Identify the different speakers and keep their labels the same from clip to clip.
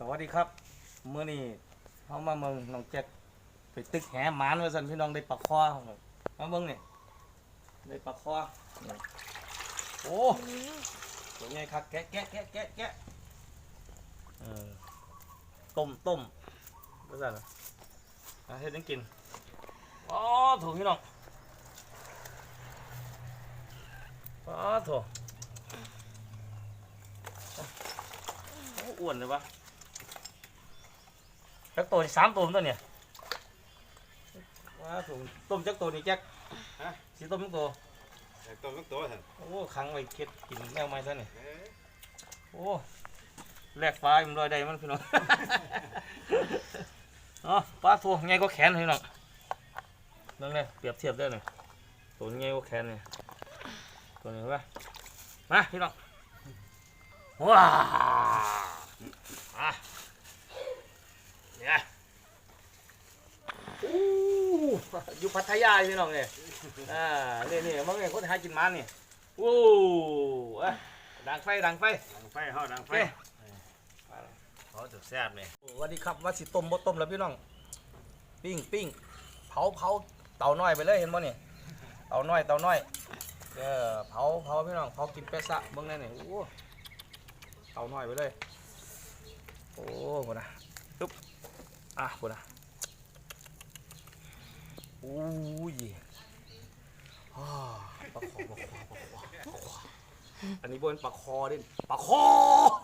Speaker 1: วัสดีครับเมื่อนี้เขามาเมืองน้องแจ็คไปตึกแหหมานว่าสันพี่น้องได้ปลาคอมาเมืองนี่ได้ปลาคอโอ้ตัวใหญ่ครับแกะต้มว่าสันเฮ็ดยังกินอ๋อถูกพี่น้องอ๋อถูกอ้วนเลยวะจักตัว3 ตัวตัวเนี่ยว้าถูกต้มจักตัวนี่แจ็คฮะสีต้มจักตัว
Speaker 2: ต้มทุกตัวท่าน
Speaker 1: โอ้ขังไว้เค็ดกินแมวไม้ซะนี่โอ้แลกฟ้ามันลอยได้มันพี่น้องอ๋อปลาตัวใหญ่ก็แขนพี่น้องนั่นเลยเปรียบเทียบได้เลยตัวใหญ่ก็แขนนี่ตัวนี้ว่ามาพี่น้องว้าเนี่ยอยู่พัทยาพี่น้องเนี่ยนี่มึงเนี่ยคนหากินมันนี่โอ้ดังไฟ
Speaker 2: ดังไฟเขาจะแซ่บเลย
Speaker 1: สวัสดีครับว่าสิต้มบ่ต้มแล้วพี่น้องปิ้งเผาเตาน้อยไปเลยเห็นบ่เนี่ยเตาน้อยเผาพี่น้องเผากินเปซะเบิ่งได้นี่โอ้เตาน้อยไปเลยโอ้โหนะตุ๊บโหนะโอ้ยปลาคออันนี้บนปลาคอดิปลาคอ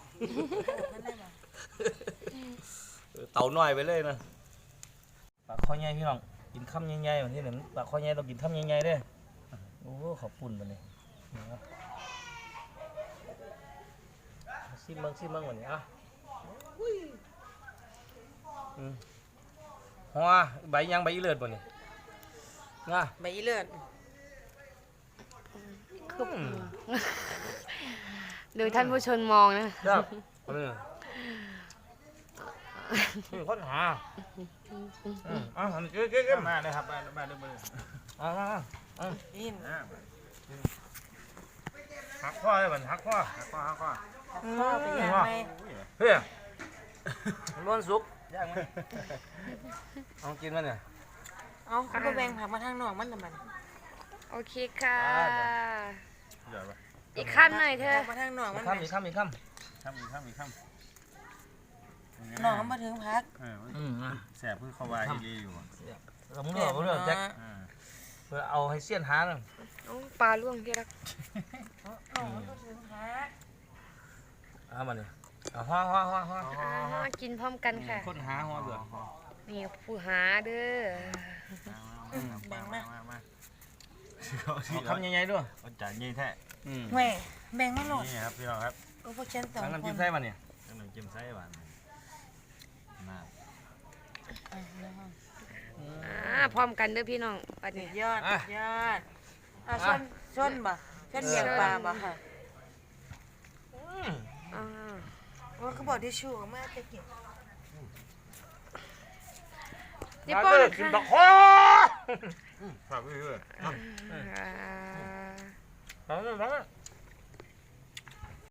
Speaker 1: เต่าน้อยไปเลยนะปลาคอใหญ่พี่น้องกินคำใหญ่ๆแบบนี้เนี่ยปลาคอใหญ่ต้องกินคำใหญ่ๆด้วยโอ้ขอบคุณมันเลยซิมเบิ้งวันนี้หัวใบยังใบอีเลือดบ่นี่ง่ะ
Speaker 3: ใบอีเลือด
Speaker 4: ดูท่านผู้ชมมอง
Speaker 1: นะครับนี่ค้นหาเก๊
Speaker 2: มาเลยครับมาดูมือ
Speaker 3: อิน
Speaker 1: หักข้อเลยมันหักข้อ
Speaker 3: เป็นยังไง
Speaker 1: เฮ้ยล้วนสุกย่างไหมเอากินมันเนี่ย
Speaker 3: เอาเขาแบ่งผักมาทางนอกมันทำไม
Speaker 4: โอเคค่ะอีกคำหน่อยเธอ
Speaker 3: มาทางนอกมัน
Speaker 1: อีกคำ
Speaker 3: นอกมาถึงพัก
Speaker 2: แสบเพิ่งเข้าวายดีอยู่
Speaker 1: เราเลือกแจ็คเพื่อเอาให้เสี้ยนหาหนึ่ง
Speaker 4: ปลาล่วงที่รัก
Speaker 3: มาถึงพัก
Speaker 1: มาเนี่ย
Speaker 4: กินพร้อมกันค่ะ
Speaker 1: คนหาหัวเบื่อ
Speaker 4: นี่ผู้หาเด้อ
Speaker 3: แบ่งมา
Speaker 1: คำใหญ่ๆด้วย
Speaker 2: จ่ายยี่แท้
Speaker 3: แม่แบ่งมาหมด
Speaker 2: นี่ครับพี่น้องครับ
Speaker 3: ก็พวกฉัน2 คน
Speaker 1: น้ำจิ้มไส้มาเนี่ย
Speaker 2: น้ำจิ้มไส้หวาน
Speaker 4: พร้อมกันเด้อพี่น้องปัดนี้
Speaker 3: ยอดชนบ่ชนเลี้ยงปลาบ่ค่ะว่าเขาบอกที่ชูกับแม่จะกิน
Speaker 4: นี่ป้อน
Speaker 1: กินตะคอ
Speaker 2: ฝากไว้ด้วย